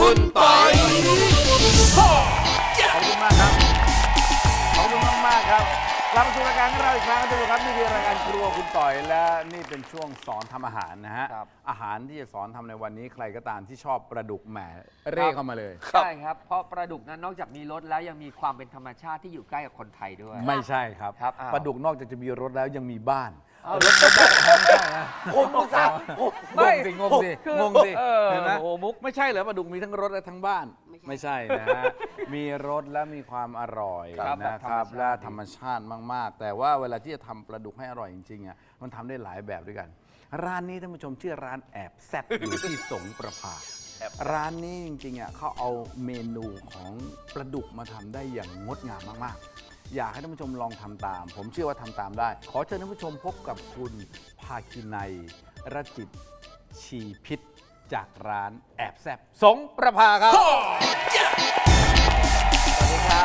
คุณปอยขอบคุณมากครับขอบคุณมากๆครับกลับมาสู่รายการของเราอีกครั้งนะครับนี่คือรายการครัวคุณต่อยและนี่เป็นช่วงสอนทำอาหารนะฮะอาหารที่จะสอนทำในวันนี้ใครก็ตามที่ชอบปลาดุกแหมเร่เข้ามาเลยใช่ครับเพราะปลาดุกนั้นนอกจากมีรสแล้วยังมีความเป็นธรรมชาติที่อยู่ใกล้กับคนไทยด้วยไม่ใช่ครับครับปลาดุกนอกจากจะมีรสแล้วยังมีบ้านรสไม่ได้ไม่ใช่นะผมอุตส่าห์งงสิงงสิคืองงสิเห็นไหมโอ้มุกไม่ใช่เหรอปลาดุกมีทั้งรสและทั้งบ้านไม่ใช่นะฮะมีรสและมีความอร่อยครับนะครับแบบธรรมชาติและธรรมชาติมากๆ แต่ว่าเวลาที่จะทำปลาดุกให้อร่อยจริงๆอ่ะมันทำได้หลายแบบด้วยกัน ร้านนี้ท่านผู้ชมชื่อร้านแอบแซ่บอยู่ที่สงประภาร้านนี้จริงๆอ่ะเขาเอาเมนูของปลาดุกมาทำได้อย่างงดงามมากๆ อยากให้ท่านผู้ชมลองทำตาม ผมเชื่อว่าทำตามได้ ขอเชิญท่านผู้ชมพบกับคุณภาคินัยรจิตชีพิษจากร้านแอบแซ่บสงประภาครับสวัสดีครับ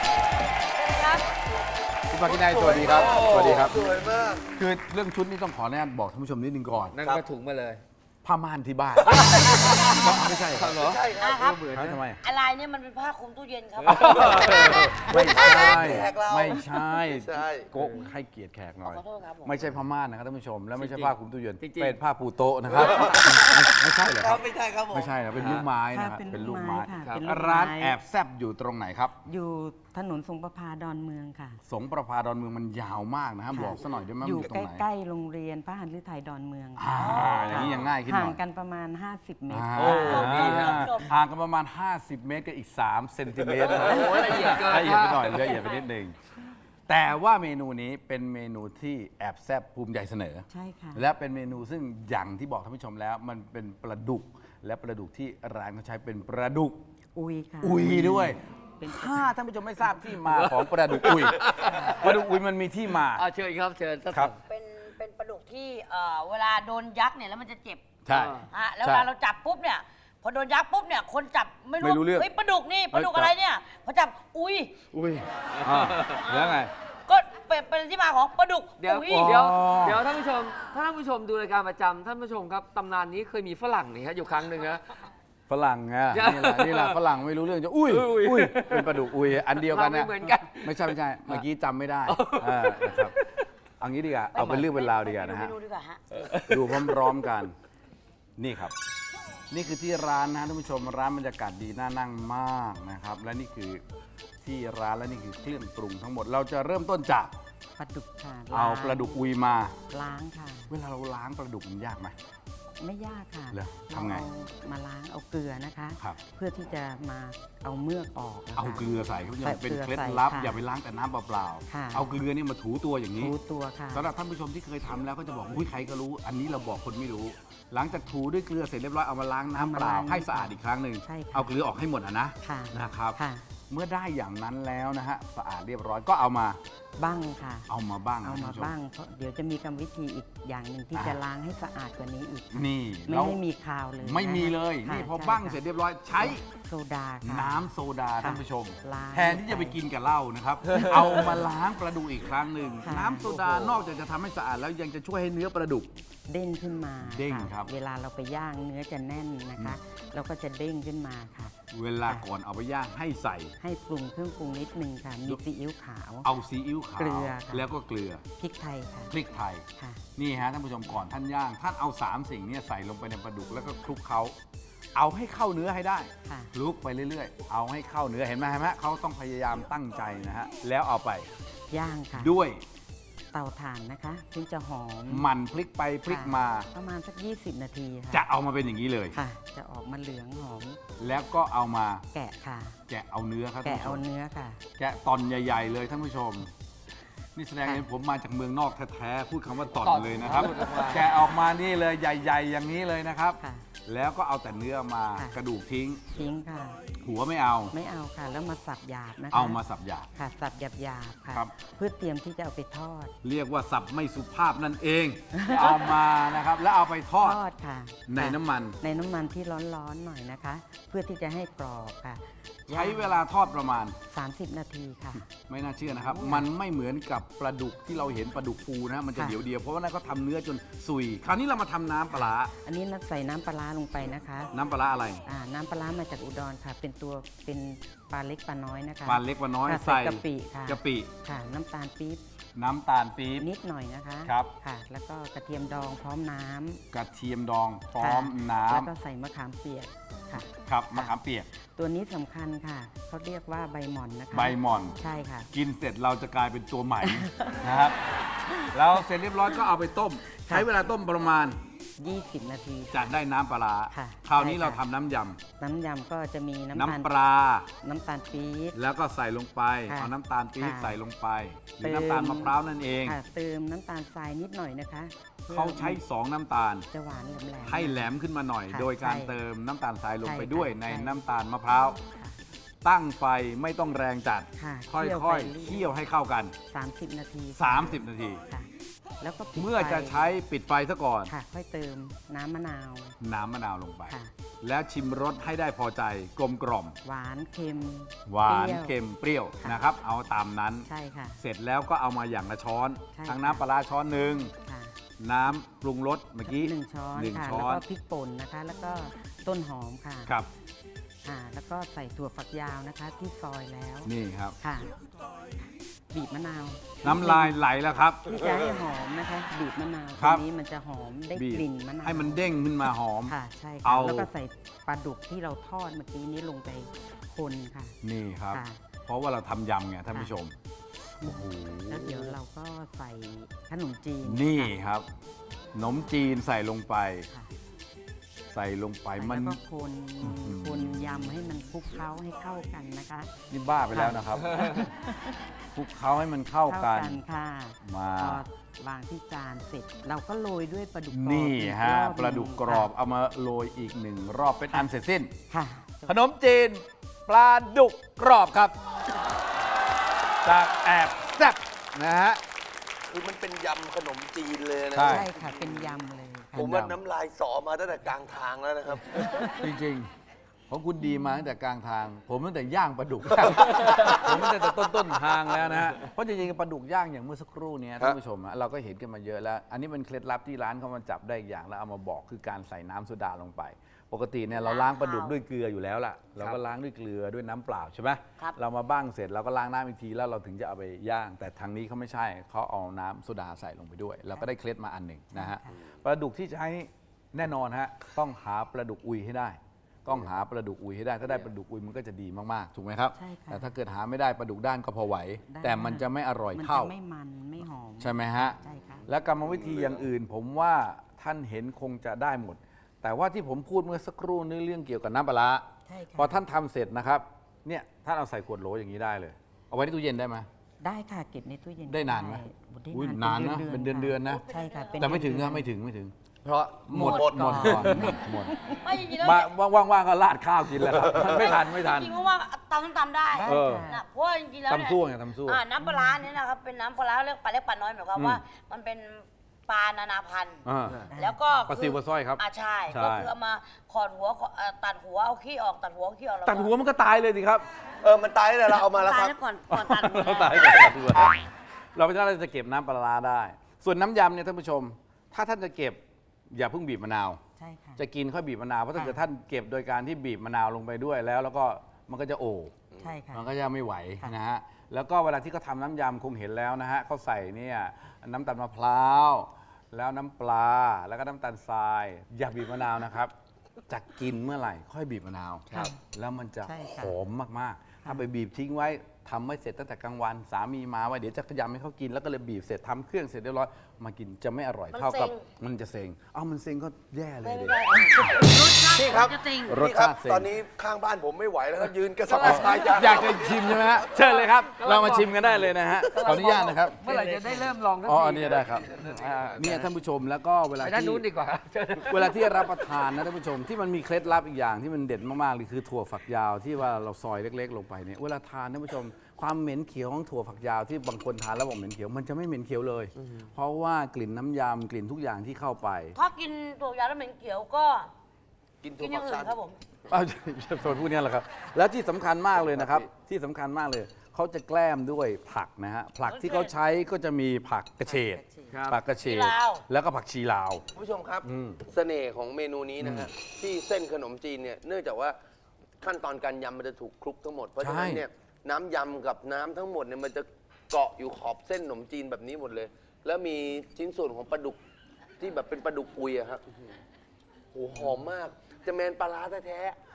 คุณภาคินัยสวัสดีครับสวัสดีครับสวยมากคือเรื่องชุดนี่ต้องขออนุญาตบอกท่านผู้ชมนิดนึงก่อนนั่นก็ถุงมาเลยผ้าม่านที่บ้าน ไม่ใช่ครับเหรอใช่ครับครับเหมือนทำไมอะไรเนี่ยมันเป็นผ้าคลุมตู้เย็นครับไม่ใช่แขกเราไม่ใช่ใช่โกะให้เกียรติแขกหน่อยขอโทษครับผมไม่ใช่ผ้าม่านนะครับท่านผู้ชม และไม่ใช่จริงๆผ้าคลุมตู้เย็นจริงๆเป็นผ้าปูโต๊ะนะครับ ไม่ใช่เหรอคครัรับบ ไม่ใช่ครับผมไม่ใช่นะเป็นลูกไม้นะคค่ะรับเป็นเป็นลูลูกกไม้ไม้ค่ะเป็นลูกไม้ร้านแอบแซบอยู่ตรงไหนครับอยู่ถนนสงประพาดอนเมืองค่ะสงประภาดอนเมืองมันยาวมากนะครับค่ะบอกซะหน่อยได้ไหมอยู่มันตรงไหนใกล้ๆโรงเรียนพระหันฤทัยดอนเมืองอ่าอย่างนี้ยังง่ายขึ้นหห่าน่งอยกันประมาณ 50 เมตรอ่าโอ้ดีนะห่างกันประมาณ 50 เมตรกับอีก 3 เซนติเมตรนะโอ้ละเอียดเกินละเอียดไปหน่อยละเอียดไปนิดนึงแต่ว่าเมนูนี้เป็นเมนูที่แอบแซบภูมิใจเสนอใช่ค่ะและเป็นเมนูซึ่งอย่างที่บอกท่านผู้ชมแล้ว มันเป็นปลาดุก และปลาดุกที่ร้านเขาใช้เป็นปลาดุกอุยค่ะอุยด้วยเป็นถ้าท่านผู้ชมไม่ทราบที่มาของปลาดุกอุยปลาดุกอุยมันมีที่มาเชิญครับเชิญครับเป็นปลาดุกที่เวลาโดนยักษ์เนี่ยแล้วมันจะเจ็บใช่แล้วเวลาเราจับปุ๊บเนี่ยพอโดนยักษ์ปุ๊บเนี่ยคนจับไม่ไม่รู้เรื่องเฮ้ยปลาดุกนี่ปลาดุกเฮ้ยอะไรเนี่ยพอจับอุ้ยอุ้ยแล้วไงก็เป็นที่มาของปลาดุกเดี๋ยวอุ้ยเดี๋ยวเดี๋ยวท่านผู้ชมถ้าท่านผู้ชมดูรายการประจำท่านผู้ชมครับตำนานนี้เคยมีฝรั่งนี่ฮะอยู่ครั้งหนึ่งนะฝรั่งไงนี่แหละฝรั่งไม่รู้เรื่องจะอุ้ยอุ้ยอุ้ยเป็นปลาดุกอุ้ยอันเดียวกันเราไม่นะเหมือนกันไม่ใช่เมื่อกี้จำไม่ได้นะครับเอางี้ดีกว่าเอาเป็นเรื่องเป็นราวดีกว่านะฮะเมนูดีกว่าฮะดูพร้อมๆกัน นี่ครับ นี่คือที่ร้านนะท่านผู้ชมร้านบรรยากาศดีน่านั่งมากนะครับ และนี่คือที่ร้านและนี่คือเครื่องปรุงทั้งหมด เราจะเริ่มต้นจากปลาดุกค่ะเอาปลาดุกอุยมาล้างค่ะเวลาเราล้างปลาดุกมันยากไหมไม่ยากค่ะเหรอทำไงเราเอามาล้างเอาเกลือนะคะครับเพื่อที่จะมาเอาเมือกออกนะคะเอาเกลือใส่คุณผู้ชใส่มเป็นเกลือเคล็ดใส่ลับค่ะอย่าไปล้างแต่น้ำเปล่าค่ะๆเอาเกลือเนี่ยมาถูตัวอย่างนี้ถูตัวค่ะสำหรับท่านผู้ชมที่เคยทำแล้วก็จะบอกอุ้ยใครก็รู้ อันนี้เราบอกคนไม่รู้ หลังจากถูด้วยเกลือเสร็จเรียบร้อยเอามาล้างน้ำเปล่าเอามาล้างให้สะอาดอีกครั้งหนึ่งใช่ค่ะเอาเกลือออกให้หมดนะค่ะนะครับค่ะเมื่อได้อย่างนั้นแล้วนะฮะสะอาดเรียบร้อยก็เอามาบ้างค่ะเอามาบ้างเอานะมาท่นผู้ชบ้างเพราะเดี๋ยวจะมีกรรมวิธีอีกอย่างหนึ่งที่จะล้างให้สะอาดกว่านี้อีกค่ะนี่ไม่เราให้มีคาวเลยไม่มีเลยค่ะนี่พอใช่บ้างค่ะเสร็จเรียบร้อยใช้โซดาค่ะน้ำโซดาค่ะท่านผู้ชมล้างแทนที่จะไปกินกับเหล้านะครับ เอามาล้างปลาดุกอีกครั้งหนึ่งค่ะน้ำโซดานอกจากจะทำให้สะอาดแล้วยังจะช่วยให้เนื้อปลาดุกเด้งขึ้นมาเด้งะครับเวลาเราไปย่างเนื้อจะแน่นนะคะแล้วก็จะเด้งขึ้นมาค่ะเวลาก่อนเอาไปย่างให้ใส่ให้ปรุงเครื่องปรุงนิดนึงค่ะ มีซีอิ๊วขาวเอาซีอิ๊วขาวเกลือค่ะแล้วก็เกลือพริกไทยค่ะพริกไทยค่ะนี่ฮะท่านผู้ชมก่อนท่านย่าง ท่านเอา3สิ่งเนี้ใส่ลงไปในปลาดุกแล้วก็คลุกเขาเอาให้เข้าเนื้อให้ได้ค่ะคลุกไปเรื่อยๆ เอาให้เข้าเนื้อเห็นไหมเขาต้องพยายามตั้งใจนะฮะแล้วเอาไปย่างค่ะด้วยเตาถ่านนะคะถึงจะหอมหมันพลิกไปพลิกมาค่ะประมาณสัก 20 นาทีค่ะจะเอามาเป็นอย่างนี้เลยค่ะ จะออกมาเหลืองหอมแล้วก็เอามาแกะค่ะแกะเอาเนื้อครับท่าแกะนผู้ชเอามเนื้อค่ะแกะตอนใหญ่ ๆ เลยท่านผู้ชม นี่แสดงค่ะเห็นผมมาจากเมืองนอกแท้ๆพูดคำว่าตอนตอนเลยนะครับพูดออกมาแกะออกมานี่เลยใหญ่ ๆ อย่างนี้เลยนะครับค่ะแล้วก็เอาแต่เนื้อมาค่ะกระดูกทิ้งทิ้งค่ะหัวไม่เอาไม่เอาค่ะ แล้วมาสับหยาบนะคะเอามาสับหยาบค่ะ สับหยาบๆค่ะครับเพื่อเตรียมที่จะเอาไปทอดเรียกว่าสับไม่สุภาพนั่นเอง เอามานะครับ แล้วเอาไปทอดทอดค่ะในค่ะน้ำมันในน้ำมันที่ร้อนๆหน่อยนะคะ เพื่อที่จะให้กรอบค่ะใช้เวลาทอดประมาณ 30 นาทีค่ะไม่น่าเชื่อนะครับ มันไม่เหมือนกับปลาดุกที่เราเห็นปลาดุกฟูนะมันจะค่ะเดียวๆเพราะว่านั่นเขาทำเนื้อจนสุย คราวนี้เรามาทำน้ำปลาร้าอันนี้ใส่น้ำปลาร้าลงไปนะคะน้ำปลาร้าอะไรน้ำปลาร้ามาจากอุดรค่ะ เป็นปลาเล็กปลาน้อยนะคะปลาเล็กปลาน้อยค่ะใส่กะปิค่ะกะปิค่ะ น้ำตาลปี๊บน้ำตาลปี๊บนิดหน่อยนะคะครับค่ะ แล้วก็กระเทียมดองพร้อมน้ำกระเทียมดองพร้อมค่ะน้แล้วก็ใส่มะขามเปียกค่ะำครับมะขามเปียกตัวนี้สำคัญค่ะเขาเรียกว่าใบหม่อนนะคะใบหม่อนใช่ค่ะกินเสร็จเราจะกลายเป็นตัวใหม่ นะครับแล้วเสร็จเรียบร้อยก็เอาไปต้ม ใช้เวลาต้มประมาณ 20 นาทีจะได้น้ำปลาร้าค่ะคราวนี้ใช่ค่ะเราทำน้ำยน้ำยำก็จะมีำน้ำตาลน้ำปลาน้ำตาลปี๊บแล้วก็ใส่ลงไปค่ะเอาน้ำตาลปี๊บค่ะใส่ลงไปหรือเติมน้ำตาลมะพร้าวนั่นเองค่ะเติมน้ำตาลทรายนิดหน่อยนะคะพื่อเขาใช้ 2 น้ำตาลจะหวานแหลมๆให้แหลมขึ้นมาหน่อยค่ะโดยการใช่เติมน้ำตาลทรายลงไปใช่ค่ะด้วยใช่ในน้ำตาลมะพร้าวค่ะตั้งไฟไม่ต้องแรงจัดค่ะค่เคี่ยวอไปยๆเรื่อยเคี่ยวให้เข้ากัน 30 นาที 30 นาทีค่ะ แล้วก็ปิดเมื่อจะไฟใช้ปิดไฟซะก่อนค่ะ ค่อยเติมน้ำมะนาวน้ำมะนาวลงไปค่ะแล้วชิมรสให้ได้พอใจกลมกล่อมหวานเค็มหวานปรี้ยวเค็มเปรี้ยวค่ะนะครับ เอาตามนั้นใช่ค่ะเสร็จแล้วก็เอามาอย่างละช้อนใช่ทั้งค่ะน้ำปลาร้าช้อนหนึ่งค่ะน้ำปรุงรสเมื่อกี้ 1 ช้อนหนึ่งค่ะช้แล้วอนก็พริกป่นนะคะ แล้วก็ต้นหอมค่ะครับแล้วก็ใส่ถั่วฝักยาวนะคะ ที่ซอยแล้วนี่ครับค่ะ บีบมะนาวน้ำลายไหลแล้วครับที่จะให้หอมนะคะ บีบมะนาวครัตับวนี้มันจะหอมได้บีบกลิ่นมะนาวให้มันเด้งขึ้นมาหอมค่ะ ใช่เอาค่ะ แล้วก็ใส่ปลาดุกที่เราทอดเมื่อกี้นี้ลงไปคนค่ะนี่ครับค่ะเพราะว่าเราทำยำไงท่านผู้ชม โอ้โหแล้วเดี๋ยวเราก็ใส่ขนมจีนนี่ครับขนมจีนใส่ลงไปค่ะใส่ลงไปใส่มันแล้วก็คนอื้อหือคนยำให้มันคลุกเคล้าให้เข้ากันนะคะนี่บ้าไปแล้วนะครับคลุกเคล้าให้มันเข้ากันค่ะมาพอวางที่จานเสร็จ เราก็โรยด้วยปลาดุกกรอบนี่อีกฮะรอบหนึ่งปลาดุกกรอบเอามาโรยอีกหนึ่งรอบเป็นอันเสร็จสิ้นค่ะขนมจีนปลาดุกกรอบครับ จากแอบแซ่บนะฮะคือมันเป็นยำขนมจีนเลยนะใช่ใช่ค่ะ เป็นยำเลยค่ะผมว่าน้ำลายสอมาตั้งแต่กลางทางแล้วนะครับจริงๆของคุณดีมาตั้งแต่กลางทาง ผมตั้งแต่ย่างปลาดุก ผมตั้งแต่ต้นทางแล้วนะฮะเพราะจริงๆปลาดุกย่างอย่างเมื่อสักครู่เนี้ยท่านผู้ชมฮะเราก็เห็นกันมาเยอะแล้ว อันนี้เป็นเคล็ดลับที่ร้านเขามาจับได้อีกอย่างแล้วเอามาบอกคือการใส่น้ำโซดาลงไป ปกติเนี่ยเราล้างปลาดุกด้วยเกลืออยู่แล้วล่ะเราก็ล้างด้วยเกลือด้วยน้ำเปล่าใช่ไหมครับเรามาบ้างเสร็จเราก็ล้างน้ำอีกทีแล้วเราถึงจะเอาไปย่าง แต่ทางนี้เขาไม่ใช่เขาเอาน้ำโซดาใส่ลงไปด้วยเราก็ได้เคล็ดมาอันหนึ่งนะฮะปลาดุกที่ใช้แน่นอนฮะต้องหาปลาดุกอุยให้ได้ ต้องหาปลาดุกอุยให้ได้ ถ้าได้ปลาดุกอุยมันก็จะดีมากๆ ถูกไหมครับใช่ค่ะแต่ถ้าเกิดหาไม่ได้ปลาดุกด้านก็พอไหวได้แต่มันจะไม่อร่อยมันเท่าจะไม่มันไม่หอมใช่ไหมฮะใช่ค่ะและกรรมวิธีอย่างอื่น ผมว่าท่านเห็นคงจะได้หมด แต่ว่าที่ผมพูดเมื่อสักครู่นี่เรื่องเกี่ยวกับน้ำปลาร้าใช่ค่ะพอท่านทำเสร็จนะครับเนี่ยท่านเอาใส่ขวดโหลอย่างนี้ได้เลย เอาไว้ในตู้เย็นได้ไหมได้ค่ะเก็บในตู้เย็นได้นานไหมได้อุ๊ยนานนะเป็นเดือนๆนะใช่ค่ะเป็นแต่ไม่ถึงเดือนะนไม่ถึงเพราะหมดก่อนก่อนหมดไม่จริงๆแล้วมาว่างๆก็ราดข้าวกินแล้วครับไม่ทันจริงๆว่าตำส้มตำได้ได้เออค่ะนะเพราะว่าจริงๆแล้วเนี่ยตำซั่วไงตำซั่วน้ำปลาร้าเนี่ยนะครับเป็นน้ำปลาร้าเรียกปลาเล็กปลาน้อยหมายความว่ามันเป็นปลานานาพันธุ์อ่าแล้วก็ปลาซิวปลาสร้อยครับใช่ใช่ก็คือเอามาขอดหัวตัดหัวเอาขี้ออกตัดหัวเอาขี้ออกตัดหัวมันก็ตายเลยสิครับมันตายแล้วเราเอามาแล้วตาคยรับแล้วก่อนตัดหัวเราตายก่อนตัดหัวเราไม่ใช่เราจะเก็บน้ำปลาร้าได้ ส่วนน้ำยำเนี่ยท่านผู้ชม ถ้าท่านจะเก็บอย่าเพิ่งบีบมะนาวใช่ค่ะจะกินค่อยบีบมะนาวเพราะถ้าค่ะเกิดท่านเก็บโดยการที่บีบมะนาวลงไปด้วยแล้วก็มันก็จะโอบใช่ค่ะมันก็จะไม่ไหวค่ะนะฮะ แล้วก็เวลาที่เขาทำน้ำยำคงเห็นแล้วนะฮะเขาใส่เนี่ยน้ำตาลมะพร้าว แล้วน้ำปลา แล้วก็น้ำตาลทราย อย่าบีบมะนาวนะครับ จะกินเมื่อไหร่ ค่อยบีบมะนาวครับแล้วมันจะใช่ค่ะหอมมากๆ ถ้าไปบีบทิ้งไว้ทำไม่เสร็จตั้งแต่กลางวัน สามีมาว่าเดี๋ยวจะขยำให้เขากิน แล้วก็เลยบีบเสร็จทำเครื่องเสร็จเรียบร้อย มากินจะไม่อร่อยเท่ากับมันจะเซ็งอ้าวมันเซ็งก็แย่เลยไม่ดิได้รสชาติพี่ครับจะจริงรสพี่ครับชาติเซ็งตอนนี้ข้างบ้านผมไม่ไหวแล้วครับยืนกระสับกระส่ายอยากจะชิมใช่ไหมฮะ เชิญเลยครับ เรามาชิมกันได้เลยนะฮะ ขออนุญาตนะครับเมื่อไหร่จะได้เริ่มลองสักอ๋อทีอันนี้ได้ครับเนี่ยท่านผู้ชมแล้วก็เวลาไปด้านที่นู้นดีกว่าเวลาที่รับประทานนะท่านผู้ชมที่มันมีเคล็ดลับอีกอย่างที่มันเด็ดมากๆเลยคือถั่วฝักยาวที่ว่าเราซอยเล็กๆ ลงไปเนี่ยเวลาทานท่านผู้ชมความเหม็นเขียวของถั่วฝักยาวที่บางคนทานแล้วบอกเหม็นเขียวมันจะไม่เหม็นเขียวเลย เพราะว่ากลิ่นน้ำยำกลิ่นทุกอย่างที่เข้าไปถ้ากินตัวยาแล้วเหม็นเขียวก็กินกิถั่วนอย่างฝักอื่สั้นนครับผมเอาโซนพวกนี้แหละครับ แล้วที่สำคัญมากเลยนะครับ ที่สำคัญมากเลย เขาจะแกล้มด้วยผักนะฮะ ผักที่เขาใช้ก็จะมีผักกระเฉดครับผักกระเฉดชีลาวแล้วก็ผักชีลาวคุณผู้ชมครับอืมเสน่ห์ของเมนูนี้นะฮะที่เส้นขนมจีนเนี่ยเนื่องจากว่าขั้นตอนการยำมันจะถูกคลุกทั้งหมด เพราะฉะนั้นเนี่ยน้ำยำกับน้ำทั้งหมดเนี่ยมันจะเกาะอยู่ขอบเส้นขนมจีนแบบนี้หมดเลย แล้วมีชิ้นส่วนของปลาดุกที่แบบเป็นปลาดุกอุยอะครับโอ้โหหอมมาก จะแมนปลาร้าแท้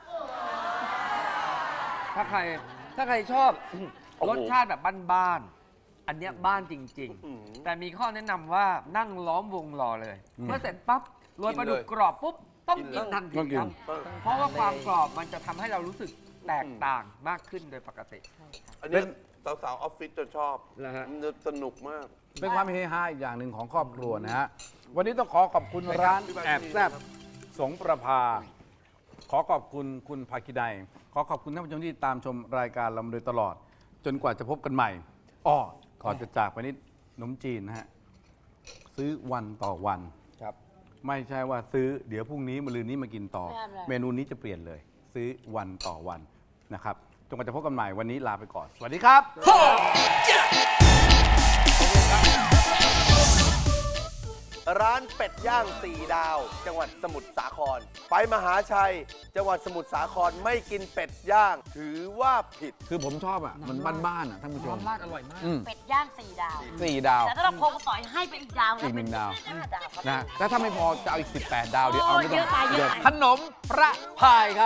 ถ้าใครชอบโอ้โหรสชาติแบบบ้านๆอันเนี้ยบ้านจริงอืมๆ แต่มีข้อแนะนำว่านั่งล้อมวงรอเลย เมื่อเสร็จปั๊บโรยปลาดุกกรอบปุ๊บต้องกินทันทีต้องกินครับเพราะว่าความกรอบมันจะทำให้เรารู้สึกแตกต่างมากขึ้นโดยปกติๆอันเนี้ยสาวๆออฟฟิศจะชอบนะฮะมันจะสนุกมากเป็นความเฮฮาอีกอย่างหนึ่งของครอบครัวนะฮะ วันนี้ต้องขอขอบคุณร้านแอบแซบสงประภา ขอขอบคุณคุณภาคินัยขอขอบคุณท่านผู้ชมที่ตามชมรายการเรามาโดยตลอด จนกว่าจะพบกันใหม่อ้อก่อนจะจากไปนิดขนมจีนนะฮะ ซื้อวันต่อวันครับไม่ใช่ว่าซื้อเดี๋ยวพรุ่งนี้มะรืนนี้มากินต่อไม่ทำอะไรเมนูนี้จะเปลี่ยนเลย ซื้อวันต่อวันนะครับจนกว่าจะพบกันใหม่วันนี้ลาไปก่อน สวัสดีครับร้านเป็ดย่าง4 ดาว จังหวัดสมุทรสาคร ไปมหาชัย จังหวัดสมุทรสาครไม่กินเป็ดย่าง ถือว่าผิดคือผมชอบอ่ะ มันบ้านๆอ่ะท่านผู้ชมน้ำราดอร่อยมากเป็ดย่าง4 ดาว 4 ดาวแต่ถ้าเราโครงต่อยให้ไปอีกดาวอีกหนึ่งดาวเป็น5 ดาวครับนะแล้วถ้าไม่พอจะเอาอีก 18 ดาวเดี๋ยวเอาไม่เยต้ออะไปเยอะไปขนมประพายครับ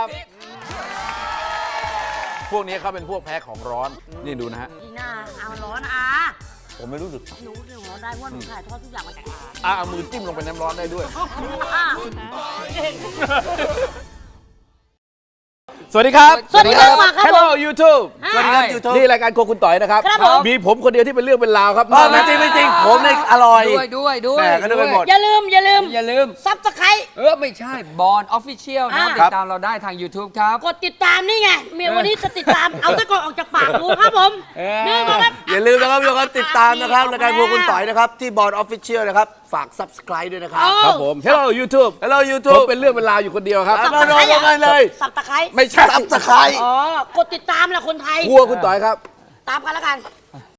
พวกนี้เขาเป็นพวกแพ้ของร้อน นี่ดูนะฮะอีน่าเอาร้อนอาผมไม่รู้สึกหนูเรื่องร้อนได้ว่าหนูถ่ายทอดทุกอย่างมาจากอาเอามือจิ้มลงไปน้ำร้อนได้ด้วยอ่ะสวัสดีครับสวัสดีครับครับ Hello YouTube สวัสดีครับ YouTube นี่รายการโครัวคุณต่อยนะครับครับผมมีผมคนเดียวที่เป็นเรื่องเป็นราวครับไม่จริงไม่จริง ผมเนี่ยอร่อยด้วยแหม่ก็นึกไปหมดอย่าลืมอย่าลืมซับสไครไม่ใช่บอลออฟฟิเชียลนะครับอ่าติดตามเราได้ทาง YouTube ครับกดติดตามนี่ไงเมียวันนี้จะติดตาม เอาตะกอนออกจากปากกูครับผม นี่มาครับอย่าลืมนะครับทุกคนติดตามนะครับรายการพวกคุณต่อยนะครับ ที่บอร์ดออฟฟิเชียลนะครับ ฝาก subscribe ด้วยนะครับครับผม Hello YouTube Hello ผม YouTube เป็นเรื่องเป็นราวอยู่คนเดียวครับครับ มาลงกันเลยสับตะไคร้ไม่ใช่ subscribe อ๋อ กดติดตามแหละคนไทยครัวคุณต่อยครับตามกันแล้วกัน